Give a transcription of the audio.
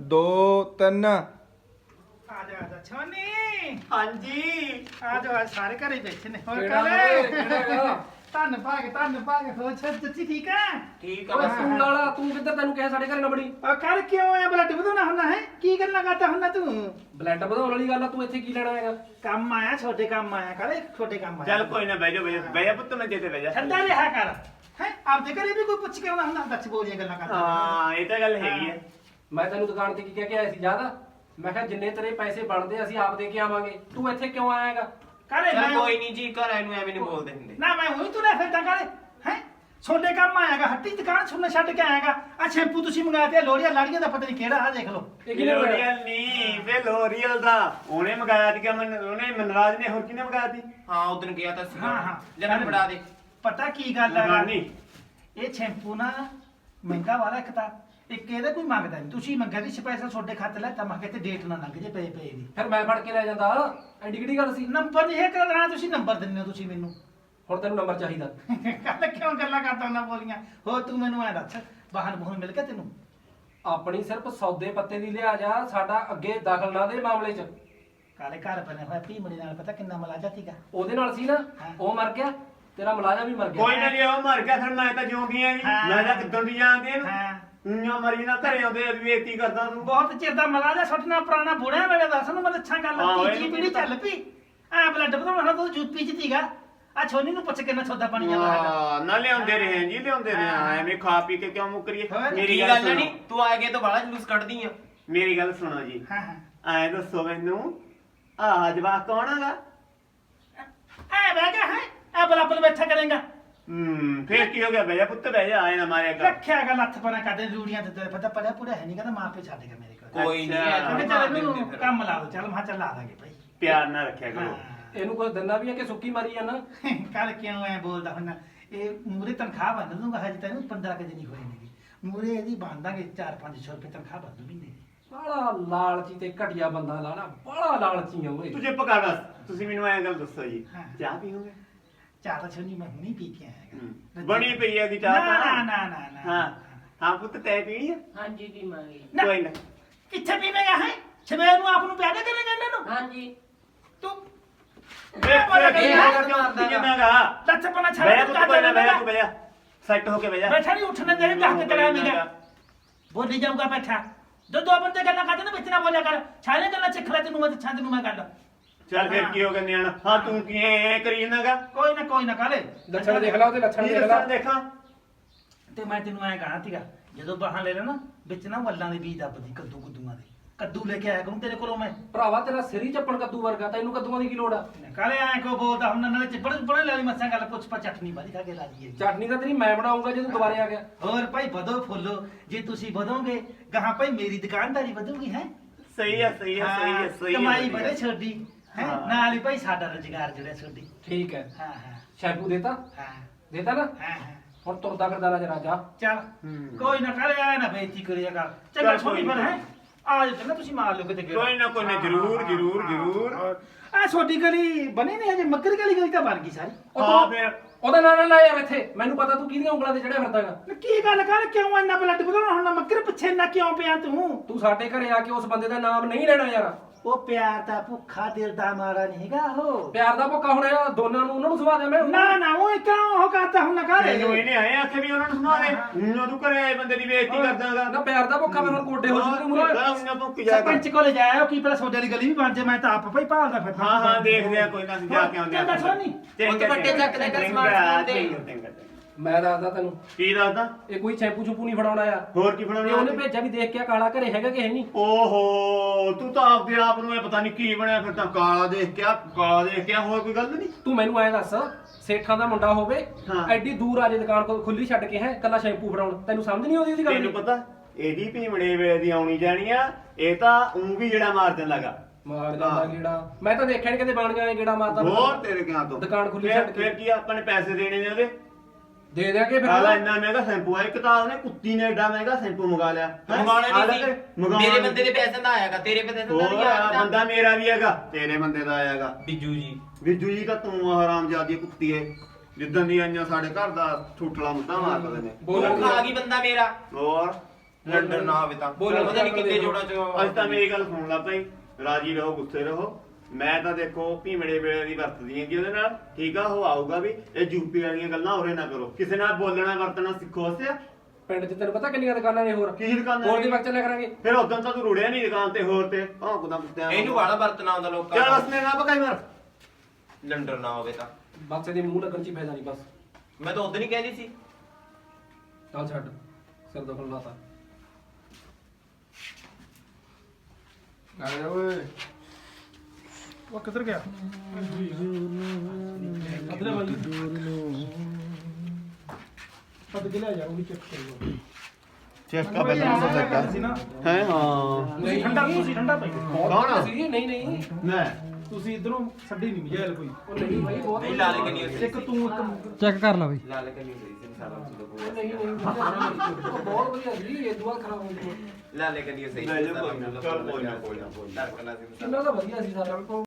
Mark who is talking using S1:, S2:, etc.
S1: 2 3
S2: ਆ ਜਾ ਛੋਨੀ
S3: ਹਾਂਜੀ
S2: ਆ ਜਾ ਸਾਰੇ ਘਰੇ ਬੈਠੇ ਨੇ ਹੋਰ
S4: ਕਿਹੜਾ
S2: ਕਾਲੇ ਧੰਨ ਭਾਗ ਹੋ ਸੱਚੀ ਠੀਕ ਆ
S3: ਠੀਕ
S4: ਓਏ
S3: ਆ
S4: ਸਕੂਲ ਵਾਲਾ ਤੂੰ ਕਿੱਧਰ ਤੈਨੂੰ ਕਿਹਾ ਸਾਡੇ ਘਰੇ ਨਾ ਬੜੀ
S2: ਉਹ ਕਰ ਕਿਉਂ ਆਇਆ ਬਲੱਡ ਵਧਾਉਣਾ ਹੁੰਦਾ ਹੈ ਕੀ ਗੱਲਾਂ ਕਰਦਾ ਹੁੰਦਾ ਤੂੰ
S4: ਬਲੱਡ ਵਧਾਉਣ ਵਾਲੀ ਗੱਲ ਆ ਤੂੰ ਇੱਥੇ ਕੀ ਲੈਣਾ ਹੈਗਾ
S2: ਕੰਮ ਆਇਆ ਛੋਟੇ ਕੰਮ ਆਇਆ ਕਾਲੇ ਛੋਟੇ ਕੰਮ ਆਇਆ
S3: ਚੱਲ ਕੋਈ ਨਾ ਬਹਿ ਜਾ ਪੁੱਤ ਮੈਂ ਦੇਤੇ ਬਹਿ ਜਾ
S2: ਠੰਡਾ ਰਿਹਾ ਕਰ ਹੈ ਆਪਦੇ ਘਰੇ ਵੀ ਕੋਈ ਪੁੱਛ ਕੇ ਆਉਣਾ ਹੁੰਦਾ ਦੱਸ ਬੋਲੀਆਂ ਗੱਲਾਂ ਕਰਦਾ
S3: ਹਾਂ ਇਹ ਤਾਂ ਗੱਲ ਹੈਗੀ ਆ
S4: ਮੈਂ ਤੈਨੂੰ ਦੁਕਾਨ ਤੇ ਕੀ ਕਹਿ ਕੇ ਆਇਆ ਸੀ ਯਾਦ ਆ ਮੈਂ ਕਿਹਾ ਜਿੰਨੇ ਤੇਰੇ ਪੈਸੇ ਬਣਦੇ ਅਸੀਂ ਆਪ ਦੇ ਕੇ ਆਵਾਂਗੇ ਤੂੰ ਇੱਥੇ ਕਿਉਂ ਆਇਆ ਹੈਗਾ
S2: ਕਾਲੇ
S3: ਚੱਲ
S2: ਮੈਂ
S3: ਕੋਈ ਨਹੀਂ ਜੀ ਘਰ ਆਏ ਨੂੰ ਐਵੇਂ ਨਹੀਂ ਬੋਲਦੇ ਹੁੰਦੇ
S2: ਨਾ ਮੈਂ ਉਹੀ ਤੁਰਿਆ ਫਿਰਦਾ ਕਾਲੇ ਹੈ ਛੋਟੇ ਕੰਮ ਆਇਆਗਾ ਹੱਟੀ ਦੁਕਾਨ ਸੁਣਨੇ ਛੱਡ ਕੇ ਆਇਆਗਾ ਆ ਸ਼ੈਂਪੂ ਤੁਸੀਂ ਮੰਗਾਇਆ ਤੇ ਲੋੜੀਆਂ ਲਾੜੀਆਂ ਦਾ ਪਤਾ ਨਹੀਂ ਕਿਹੜਾ ਆ ਦੇਖ ਲਓ
S4: ਇਹ ਕਿਹਨੇ ਬਣਾਇਆ
S3: ਲੋਰੀਅਲ ਨਹੀਂ ਵੇ ਲੋਰੀਅਲ ਦਾ ਉਹਨੇ ਮੰਗਾਇਆ ਸੀ ਕਿ ਉਹਨੇ ਮਨਰਾਜ ਨੇ ਹੋਰ ਕਿਹਨੇ ਮੰਗਾਇਆ ਸੀ
S5: ਹਾਂ ਉਦੋਂ ਗਿਆ ਤਾਂ ਸੀ
S2: ਹਾਂ
S5: ਜਨਾ ਬੜਾ ਦੇ
S2: ਪਤਾ ਕੀ ਗੱਲ ਹੈ
S3: ਲਗਾਨੀ
S2: ਇਹ ਸ਼ੈਂਪੂ ਨਾ ਮਹਿੰਗਾ ਵਾਲਾ ਇੱਕ ਤਾਂ ਇੱਕ ਇਹਦਾ ਕੋਈ ਮੰਗਦਾ ਨਹੀਂ ਤੁਸੀਂ ਮੰਗਿਆ ਸੀ ਸਪੈਸ਼ਲ ਤੁਹਾਡੇ ਖਾਤੇ ਲੈ ਤਾਂ ਮੈਂ ਕਿਤੇ ਡੇਟ ਨਾ ਲੰਘ ਜੇ ਪਏ ਦੀ
S4: ਫਿਰ ਮੈਂ ਫੜ ਕੇ ਲੈ ਜਾਂਦਾ ਐਡੀ ਕਿਹੜੀ ਗੱਲ ਸੀ
S2: ਨੰਬਰ ਨਹੀਂ ਹੈ ਕਰਾਂ ਤੁਸੀਂ ਨੰਬਰ ਦਿੰਦੇ ਹੋ ਤੁਸੀਂ ਮੈਨੂੰ
S4: ਹੁਣ ਤੈਨੂੰ ਨੰਬਰ ਚਾਹੀਦਾ
S2: ਕੱਲ ਕਿਉਂ ਗੱਲਾਂ ਕਰਦਾ ਹੁੰਦਾ ਬੋਲੀਆਂ ਹੋ ਤੂੰ ਮੈਨੂੰ ਐ ਦੱਸ ਬਾਹਨ ਬੋਹਨ ਮਿਲ ਗਿਆ ਤੈਨੂੰ
S4: ਆਪਣੀ ਸਿਰਫ ਸੌਦੇ ਪੱਤੇ ਦੀ ਲਿਆ ਜਾ ਸਾਡਾ ਅੱਗੇ ਦਖਲ ਨਾ ਦੇ ਮਾਮਲੇ 'ਚ
S2: ਕਾਲੇ ਘਰ ਬਣੇ ਹੋਇਆ ਭੀਮੜੀ ਨਾਲ ਪਤਾ ਕਿੰਨਾ ਮਲਾਜਾ ਸੀਗਾ
S4: ਉਹਦੇ ਨਾਲ ਸੀ ਨਾ
S2: ਹਾਂ।
S4: ਉਹ ਮਰ ਗਿਆ ਤੇਰਾ ਮੁਲਾਜ਼ਮ ਵੀ ਮਰ ਗਿਆ
S3: ਕੋਈ ਨਾ ਲਿਆ ਉਹ ਮਰ ਗਿਆ ਫਿਰ ਮੈਂ ਤਾਂ ਜਿਉਂਦੀ ਆ ਜੀ
S2: ਹਾਂ।
S3: ਮੈਂ ਤਾਂ ਕਿੱਦਾਂ ਦੀ ਜਾਂਦੀ ਆ
S2: ਹਾਂ
S3: ਉਈਆਂ ਮਰੀ ਨਾ ਘਰੇ ਆਉਂਦੇ ਬੇਇੱਜ਼ਤੀ ਕਰਦਾ ਤੂੰ
S2: ਬਹੁਤ ਚਿਰ ਦਾ ਮਲਾਜਾ ਸੁੱਟਣਾ ਪੁਰਾਣਾ ਬੁੜਿਆ ਵੇਲੇ ਦੱਸ ਨੂੰ ਮੈਂ ਅੱਛਾ ਗੱਲ
S3: ਹਾਂ,
S2: ਤੀਜੀ
S3: ਇਹਨੂੰ
S2: ਪੀੜੀ ਚੱਲ ਪਈ ਐ ਬਲੱਡ ਵਧਾਉਣਾ ਤੂੰ ਯੂਪੀ ਚ ਸੀਗਾ ਆ ਛੋਨੀ ਨੂੰ ਪੁੱਛ ਕਿੰਨਾ ਸੌਦਾ ਪਾਣੀ ਜਾਂਦਾ ਹੈਗਾ
S3: ਹਾਂ ਨਾ ਲਿਆਉਂਦੇ ਰਹੇ ਜੀ ਲਿਆਉਂਦੇ ਰਹੇ
S2: ਹਾਂ।
S3: ਐਵੇਂ ਖਾ ਪੀ ਕੇ ਕਿਉਂ ਮੁੱਕਰੀਏ
S2: ਹੋਰ?
S3: ਮੇਰੀ
S5: ਕੀ
S3: ਗੱਲ
S5: ਗੱਲ
S3: ਸੁਣੋ
S5: ਨਹੀਂ ਤੂੰ ਆ ਗਿਆ ਤਾਂ ਬੜਾ ਜਲੂਸ ਕੱਢਦੀ ਆ
S3: ਮੇਰੀ ਗੱਲ ਸੁਣੋ ਜੀ
S2: ਹਾਂ ਹਾਂ
S3: ਐ ਦੱਸੋ ਮੈਨੂੰ ਆਹ ਜਵਾਕ ਕੌਣ ਹੈਗਾ
S2: ਐ ਬਹਿ ਗਿਆ ਹੈ ਐ ਬਲਾਬਲ ਬੈਠਾ ਕਰੇਗਾ
S3: ਫੇਰ ਕੀ ਹੋ ਗਿਆ ਬਹਿ ਜਾ ਪੁੱਤ ਬਹਿ ਜਾ ਆਏ ਨਾ ਮਾਰਿਆ ਕਰ
S2: ਰੱਖਿਆ ਗਾ ਲੱਥ ਪਨਾ ਕਰਦੇ ਰੂੜੀਆਂ ਤੇ ਪਤਾ ਪੜਿਆ ਪੂਰਾ ਹੈ ਨਹੀਂ ਕਹਿੰਦਾ ਮਾਂ ਪਿਓ ਛੱਡ ਗਿਆ ਮੇਰੇ ਕੋਲ
S5: ਕੋਈ ਨਹੀਂ
S3: ਅੱਛਾ।
S2: ਕਹਿੰਦੇ ਚੱਲ ਇਹਨੂੰ ਕੰਮ ਲਾ ਦੋ ਚੱਲ ਮੈਂ ਕਿਹਾ ਚੱਲ ਲਾ ਦਾਂਗੇ ਭਾਈ
S3: ਪਿਆਰ ਨਾਲ ਰੱਖਿਆ ਕਰੋ
S4: ਇਹਨੂੰ ਕੁਝ ਦਿੰਦਾ ਵੀ ਹੈ ਕਿ ਸੁੱਕੀ ਮਾਰੀ ਜਾਂਦਾ
S2: ਕੱਲ ਕਿਉਂ ਐ ਬੋਲਦਾ ਹੁੰਦਾ ਇਹ ਮੂਰੇ ਤਨਖਾਹ ਬੰਨ ਦੂੰਗਾ ਹਜੇ ਤੈਨੂੰ 15 ਕੁ ਦਿਨ ਹੀ ਹੋਏ ਨੇਗੇ ਮੂਰੇ ਇਹਦੀ ਬੰਦਾਂਗੇ 4-500 ਰੁਪਏ ਤਨਖਾਹ ਬੰਦੂ ਮਹੀਨੇ ਦੀ
S4: ਬੜਾ ਲਾਲਚੀ ਤੇ ਘਟਿਆ ਬੰਦਾ ਲਾਣਾ ਬੜਾ ਲਾਲਚੀ ਆ ਓਏ
S3: ਤੂੰ ਚੁੱਪ ਕਰ ਬਸ ਤੁਸੀਂ ਮੈਨੂੰ ਐਂ ਗੱਲ ਦੱਸੋ ਜੀ
S2: ਹਾਂ।
S3: ਚਾਹ ਪੀਓਗੇ
S2: ਚਾਹ ਤਾਂ ਛੋਨੀ ਮੈਂ ਹੁਣੀ ਪੀ ਕੇ ਆਇਆ
S3: ਬਣੀ ਪਈ ਹੈ ਦੀ ਚਾਹ
S2: ਨਾ
S3: ਤਾਂ
S2: ਨਾ ਨਾ ਨਾ
S3: ਹਾਂ ਹਾਂ ਪੁੱਤ ਤੈ ਪੀਣੀ ਆ
S5: ਹਾਂਜੀ ਪੀਵਾਂਗੇ
S2: ਨਾ।
S3: ਕੋਈ ਨਾ
S2: ਕਿੱਥੇ ਪੀਵੇਂਗਾ ਹੈ ਸਵੇਰ ਨੂੰ ਆਪ ਨੂੰ ਪਿਆ ਦੇ ਕਰੇਗਾ ਇਹਨਾਂ ਨੂੰ
S5: ਹਾਂਜੀ
S2: ਤੂੰ
S3: ਵੇ
S2: ਬੋਲਿਆ
S3: ਵੇ
S2: ਕਰੇਗਾ।
S3: ਕਿਉਂ ਪੀਣਾਗਾ
S2: ਲੱਥ ਪਨਾ ਛੱਡ
S3: ਬਹਿ
S2: ਤੂੰ
S3: ਪੁੱਤ ਕੋਈ ਨਾ ਬਹਿ ਜਾ ਤੂੰ ਬਹਿ ਜਾ ਸੈੱਟ ਹੋ ਕੇ ਬਹਿ ਜਾ
S2: ਬੈਠਾ ਨਹੀਂ ਉੱਠਣਾ ਦੇ ਦੱਸ ਕੇ ਕਰਾ ਮੇਗਾ ਬੋਲੀ ਜਾਊਗਾ ਬੈਠਾ ਦੋ ਬੰਦੇ ਗੱਲਾਂ ਕਰਦੇ ਨੇ ਵਿੱਚ ਨਾ ਬੋਲਿਆ ਕਰ ਸਾਰੇ ਗੱਲਾਂ ਸਿੱਖ ਲੈ ਤੈਨੂੰ ਮੈਂ ਛੰਦ ਨੂੰ ਮੈਂ ਗੱਲ
S3: ਚੱਲ ਫਿਰ ਕੀ ਹੋ ਗਿਆ ਨਿਆਣਾ ਹਾਂ ਤੂੰ ਕੀ ਐ ਕਰੀ ਜਾਂਦਾਗਾ
S2: ਕੋਈ ਨਾ ਕਾਲੇ
S4: ਲੱਛਣ ਦੇਖ ਲਾ ਉਹਦੇ ਲੱਛਣ
S3: ਕੀ
S4: ਦੇਖ ਲਾ
S3: ਦੱਸਾਂ ਦੇਖਾਂ
S2: ਤੇ ਮੈਂ ਤੈਨੂੰ ਐਂ ਕਹਾਂ ਸੀਗਾ ਜਦੋਂ ਬਾਹਾਂ ਲੈ ਲੈਣਾ ਵਿੱਚ ਨਾ ਵੱਲਾਂ ਦੇ ਬੀਜ ਦੱਬਦੀ ਕੱਦੂਆਂ ਦੇ ਕੱਦੂ ਲੈ ਕੇ ਆਇਆ ਕਰੂੰ ਤੇਰੇ ਕੋਲੋਂ ਮੈਂ
S4: ਭਰਾਵਾ ਤੇਰਾ ਸਿਰ ਹੀ ਚੱਪਣ ਕੱਦੂ ਵਰਗਾ ਤੈਨੂੰ ਕੱਦੂਆਂ ਦੀ ਕੀ ਲੋੜ ਆ
S2: ਕਾਲੇ ਐਂ ਕੋ ਬੋਲਦਾ ਹੁਣ ਨਾਲੇ ਚਿੱਪੜ ਬੜੇ ਲੈ ਲਈ ਮੱਸਾਂ ਗੱਲ ਪੁੱਛ ਪਾ ਚਟਨੀ ਵਾਲੀ ਖਾ ਕੇ ਲਾ ਲਈਏ
S4: ਚਟਨੀ ਤਾਂ ਤੇਰੀ ਮੈਂ ਬਣਾਉਂਗਾ ਜੇ ਤੂੰ ਦੁਬਾਰੇ ਆ ਗਿਆ
S2: ਹੋਰ ਭਾਈ ਵਧੋ ਫੁੱਲੋ ਜੇ ਤੁਸੀਂ ਵਧੋਗੇ ਗਾਹਾਂ ਭਾਈ ਮੇਰੀ ਦੁਕਾਨਦਾਰੀ ਵਧੂਗੀ ਹੈ
S3: ਸਹੀ ਹੈ ਸਹੀ ਹੈ ਸਹੀ ਹੈ ਸਹੀ ਹੈ
S2: ਕਮਾਈ
S3: ਵਧੀਆ।
S2: ਬੜੇ ਛੋਡੀ ਹੈ
S3: ਹਾਂ।
S2: ਨਾਲ ਹੀ ਭਾਈ ਸਾਡਾ ਰੁਜ਼ਗਾਰ ਜਿਹੜਾ ਛੋਡੀ
S4: ਠੀਕ ਹੈ
S2: ਹਾਂ ਹਾਂ
S4: ਸ਼ੈਂਪੂ ਦੇਤਾ
S2: ਹਾਂ
S4: ਦੇਤਾ ਨਾ
S2: ਹਾਂ ਹਾਂ
S4: ਹੁਣ ਤੁਰਦਾ ਫਿਰਦਾ ਨਜ਼ਰ ਆ ਜਾ
S2: ਚੱਲ
S3: ਹੂੰ।
S2: ਕੋਈ ਨਾ ਕਰੇ ਆ ਨਾ ਬੇਇੱਜ਼ਤੀ ਕਰਿਆ ਕਰ ਚੰਗਾ
S3: ਚੱਲ
S2: ਛੋਟੀ
S3: ਕੋਈ
S2: ਪਰ
S3: ਨਾ।
S2: ਹੈ ਆ ਜਾ ਚੰਗਾ ਤੁਸੀਂ ਮਾਰ ਲਓ ਕਿਤੇ ਗੇੜਾ।
S3: ਕੋਈ ਨਾ ਕੋਈ ਨਾ ਜ਼ਰੂਰ ਜ਼ਰੂਰ ਜ਼ਰੂਰ
S2: ਆ ਛੋਟੀ ਗਲੀ ਬਣੀ ਨਹੀਂ ਹਜੇ ਮੱਕਰ ਗਲੀ ਤਾਂ ਬਣ ਗਈ ਸਾਰੀ
S4: ਉਹ
S3: ਹਾਂ
S4: ਤੂੰ
S3: ਫਿਰ
S4: ਉਹਦਾ ਨਾਂ ਨਾ ਲਾ ਯਾਰ ਇੱਥੇ ਮੈਨੂੰ ਪਤਾ ਤੂੰ ਕਿਹਦੀਆਂ ਉਂਗਲਾਂ ਤੇ ਚੜਿਆ ਫਿਰਦਾਗਾ
S2: ਨਾ ਕੀ ਗੱਲ ਕਰ ਕਿਉਂ ਇੰਨਾ ਬਲੱਡ ਵਧਾਉਣਾ ਹੁਣ ਮੱਕਰ ਪਿੱਛੇ ਇੰਨਾ ਕਿਉਂ ਪਿਆ ਤੂੰ
S4: ਤੂੰ ਸਾਡੇ ਘਰੇ ਆ ਕੇ ਉਸ ਬੰਦੇ ਦਾ ਨਾਮ ਨਹੀਂ ਲੈਣਾ ਯਾਰ
S2: ਉਹ ਪਿਆਰ ਦਾ ਭੁੱਖਾ ਦਿਲ ਦਾ ਮਾਰਾ ਨਹੀਂ ਹੈਗਾ ਉਹ
S4: ਪਿਆਰ ਦਾ ਭੁੱਖਾ ਹੁਣ ਇਹ ਦੋਨਾਂ ਨੂੰ ਉਹਨਾਂ ਨੂੰ ਸੁਭਾ ਦਿਆਂ ਮੈਂ
S2: ਨਾ ਉਹ ਕਿਉਂ ਉਹ ਕਰਦਾ ਹੁਣ ਨਾ ਕਰ
S3: ਤੈਨੂੰ ਇਹਨੇ ਆਏ ਆਖੇ ਵੀ ਉਹਨਾਂ ਨੂੰ ਸੁਣਾ ਦੇ ਉਹਨਾਂ ਨੂੰ ਘਰੇ ਆਏ ਬੰਦੇ ਦੀ ਬੇਇੱਜ਼ਤੀ ਕਰਦਾਗਾ
S4: ਨਾ ਪਿਆਰ ਦਾ ਭੁੱਖਾ ਮੈਂ ਹੁਣ ਕੋਡੇ ਹੋ ਜੂਗੇ ਮੂਰੇ
S3: ਉਹਨਾਂ ਭੁੱਕ ਜਾ
S2: ਸਰਪੰਚ ਕੋਲੇ ਜਾਇਆ ਉਹ ਕੀ ਪਤਾ ਸੋਡੇ ਵਾਲੀ ਗਲੀ ਵੀ ਬਣ ਜੇ ਮੈਂ ਤਾਂ ਆਪ ਭਾਈ ਭਾਲਦਾ ਫਿਰਦਾ
S3: ਹਾਂ ਹਾਂ ਦੇਖਦੇ ਆ ਕੋਈ ਨਾ ਅਸੀਂ ਜਾ ਕੇ ਆਉਂਦੇ ਆ
S2: ਚੰਗਾ ਸੋਨੀ
S5: ਉਹ ਤਾਂ ਵੱਡੇ ਚੱਕ ਦੇ ਕਰ ਸਮਾਨ ਸਮੂਨ ਦੇ।
S4: ਮੈਂ ਦੱਸਦਾ ਤੈਨੂੰ
S3: ਕੀ ਦੱਸਦਾ
S4: ਇਹ ਕੋਈ ਸ਼ੈਂਪੂ ਛੂਪੂ ਨਹੀਂ ਫੜਾਉਣਾ ਆ
S3: ਹੋਰ ਕੀ
S4: ਇਹ
S3: ਫੜਾਉਣਾ
S4: ਉਹਨੇ ਭੇਜਿਆ ਵੀ ਦੇਖ ਕੇ ਆ ਕਾਲਾ ਘਰੇ ਹੈਗਾ ਕਿ ਹੈ ਨਹੀਂ
S3: ਓਹੋ ਤੂੰ ਤਾਂ ਆਪਦੇ ਆਪ ਨੂੰ ਇਹ ਪਤਾ ਨਹੀਂ ਕੀ ਬਣਿਆ ਫਿਰ ਤਾਂ ਕਾਲਾ ਦੇਖ ਕੇ ਹੋਰ ਕੋਈ ਗੱਲ ਨਹੀਂ
S4: ਤੂੰ ਮੈਨੂੰ ਐਂ ਦੱਸ ਸੇਠਾਂ ਦਾ ਮੁੰਡਾ ਹੋਵੇ
S3: ਹਾਂ।
S4: ਐਡੀ ਦੂਰ ਆ ਜੇ ਦੁਕਾਨ ਕੋਲ ਖੁੱਲੀ ਛੱਡ ਕੇ ਹੈ ਕੱਲਾ ਸ਼ੈਂਪੂ ਫੜਾਉਣ ਤੈਨੂੰ ਸਮਝ ਨਹੀਂ ਆਉਂਦੀ ਉਹਦੀ ਗੱਲ
S3: ਤੈਨੂੰ
S4: ਦੀ?
S3: ਪਤਾ ਇਹਦੀ ਭੀਮੜੇ ਵੇਲੇ ਦੀ ਆਉਣੀ ਜਾਣੀ ਆ ਇਹ ਤਾਂ ਊਂ ਵੀ ਜਿਹੜਾ ਮਾਰ ਦੇਣ ਲੱਗਾ
S4: ਮਾਰ ਜਾਂਦਾ
S3: ਹਾਂ।
S4: ਗੇੜਾ ਮੈਂ ਤਾਂ ਦੇਖਿਆ ਨਹੀਂ ਕਦੇ ਬਾਣੀਆਂ ਐ ਗੇੜਾ ਮਾਰਦਾ
S3: ਹੋਰ ਤੇਰੇ ਕਿਹਾਂ ਤੋਂ
S4: ਦੁਕਾਨ ਖੁੱਲੀ
S3: ਫਿਰ-
S4: ਛੱਡ ਕੇ।
S3: ਫਿਰ ਕੀ ਆਪਾਂ ਨੇ ਪੈਸੇ ਦੇਣੇ ਨੇ ਉਹਦੇ
S4: ਦੇ ਦਿਆਂਗੇ ਫਿਰ
S3: ਆਲਾ ਇੰਨਾ ਮਹਿੰਗਾ ਸ਼ੈਂਪੂ ਆ ਇੱਕ ਤਾਂ ਉਹਨੇ ਕੁੱਤੀ ਨੇ ਐਡਾ ਮਹਿੰਗਾ ਸ਼ੈਂਪੂ ਮੰਗਾ ਲਿਆ ਹੈਂ?
S5: ਮੰਗਾਉਣਾ
S3: ਆਲਾ
S5: ਨਹੀਂ
S3: ਤੇ
S5: ਸੀ
S3: ਮੰਗਾਉਣਾ
S5: ਮੇਰੇ ਬੰਦੇ ਦੇ ਪੈਸੇ ਦਾ ਆਇਆਗਾ ਤੇਰੇ ਪੈਸੇ ਦਾ
S3: ਹੋਰ
S5: ਨਹੀਂ
S3: ਆ,
S5: ਆਇਆ
S3: ਬੰਦਾ ਮੇਰਾ ਵੀ ਹੈਗਾ ਤੇਰੇ ਬੰਦੇ ਦਾ ਆਏਗਾ
S5: ਬਿੱਜੂ ਜੀ
S3: ਵਿਜੂ ਜੀ ਤਾਂ ਤੂੰ ਹਰਾਮਜ਼ਾਦੀ ਕੁੱਤੀ ਏ ਜਿੱਦਣ ਦੀ ਆਈਆਂ ਸਾਡੇ ਘਰ ਦਾ ਠੂਠਲਾ ਮੁੱਦਾ ਮਾਰਦੇ ਨੇ
S5: ਉਹ ਖਾ ਗਈ ਬੰਦਾ ਮੇਰਾ
S3: ਹੋਰ
S5: ਲੰਡਨ ਨਾ ਹੋਵੇ ਤਾਂ
S4: ਬੋਲਣ
S5: ਪਤਾ ਨਹੀਂ ਕਿੰਨੇ ਜੋੜਾਂ ਚ
S3: ਅੱਜ ਤਾਂ ਮੇਰੀ ਗੱਲ ਸੁਣ ਲਾ ਭਾਈ, ਰਾਜੀ ਰਹੋ ਗੁੱਸੇ ਰਹੋ। ਮੈਂ ਤਾਂ ਦੇਖੋ ਭੀਮੜੇ ਵੇਲੇ ਦੀ ਵਰਤਦੀ ਹੈਗੀ ਉਹਦੇ ਨਾਲ, ਠੀਕ ਆ। ਉਹ ਆਊਗਾ ਵੀ, ਇਹ ਯੂਪੀ ਵਾਲੀਆਂ ਗੱਲਾਂ ਹੋਰੇ ਨਾ ਕਰੋ, ਕਿਸੇ ਨਾਲ ਬੋਲਣਾ ਵਰਤਣਾ ਸਿੱਖੋ। ਅਸਿਆ
S4: ਪਿੰਡ 'ਚ ਤੈਨੂੰ ਪਤਾ ਕਿੰਨੀਆਂ ਦੁਕਾਨਾਂ ਨੇ ਹੋਰ
S3: ਕੀ ਦੁਕਾਨਾਂ
S4: ਹੋਰ
S3: ਨੇ?
S4: ਦੇ ਵਕਤ ਚੱਲਿਆ ਕਰਾਂਗੇ।
S3: ਫਿਰ ਉਦੋਂ ਤਾਂ ਤੂੰ ਰੁੜਿਆ ਨਹੀਂ ਦੁਕਾਨ ਤੇ ਹੋਰ ਤੇ ਕੁਦਾ ਕੁੱਤਿਆਂ
S5: ਇਹਨੂੰ ਵਾਲਾ ਵਰਤਣਾ ਆਉਂਦਾ ਲੋਕਾਂ
S3: ਚੱਲ
S5: ਦਾ।
S3: ਹਸਨੇ ਨਾ ਪਕਾਈ ਮਾਰ।
S5: ਲੰਡਨ ਨਾ ਹੋਵੇ ਤਾਂ
S4: ਬਕਸੇ ਦੇ ਮੂੰਹ ਲੱਗਣ 'ਚ ਹੀ ਫਾਇਦਾ ਨਹੀਂ ਬਸ।
S5: ਮੈਂ ਤਾਂ ਉਦੋਂ ਹੀ ਕਹਿੰਦੀ ਸੀ।
S4: ਚੱਲ ਛੱਡ ਸਿਰ ਦੁਖਣ ਲਾਤਾ।
S1: ਆ ਓਏ
S2: ਉਹ ਕਿੱਧਰ ਗਿਆ ਅਦਲੇ ਵਾਲੀ ਪੱਦ ਕੇ ਲੈ ਜਾ ਉਹ ਵੀ ਚੈੱਕ ਕਰੋ
S3: ਚੈੱਕ
S2: ਆ ਪਹਿਲਾਂ ਸੀ ਨਾ
S3: ਹੈ ਹਾਂ
S2: ਤੁਸੀਂ ਠੰਡਾ ਪਈ
S3: ਕੌਣ ਆ?
S4: ਸੀ ਨਹੀਂ ਨਹੀਂ
S3: ਮੈਂ
S2: ਤੁਸੀਂ ਇਧਰੋਂ ਛੱਡੀ ਨਹੀਂ ਮਜਾਇਲ ਕੋਈ
S4: ਉਹ ਨਹੀਂ ਭਾਈ ਬਹੁਤ
S5: ਨਹੀਂ ਲਾਲ ਕਨੀ ਹੋਈ
S2: ਇੱਕ ਤੂੰ ਇੱਕ
S6: ਚੈੱਕ ਕਰ ਲਾ ਬਈ।
S5: ਲਾਲ ਕਨੀ ਹੋਈ ਸੀ ਸਾਲਾ ਸੁਣੋ
S4: ਨਹੀਂ ਬਹੁਤ ਵਧੀਆ ਸੀ ਇਹ ਦੁਆ ਖਰਾਬ ਹੋ ਗਈ।
S5: ਲਾਲ ਕਨੀ ਸਹੀ
S3: ਲੈ ਜਾ ਕੋਈ ਨਾ, ਚੱਲ ਕੋਈ ਨਾ, ਕੋਈ ਨਾ, ਕੋਈ ਨਾ।
S5: ਧੜਕਣਾ ਸੀ
S4: ਇਹਨਾਂ ਦਾ ਵਧੀਆ ਸੀ ਸਾਰਾ।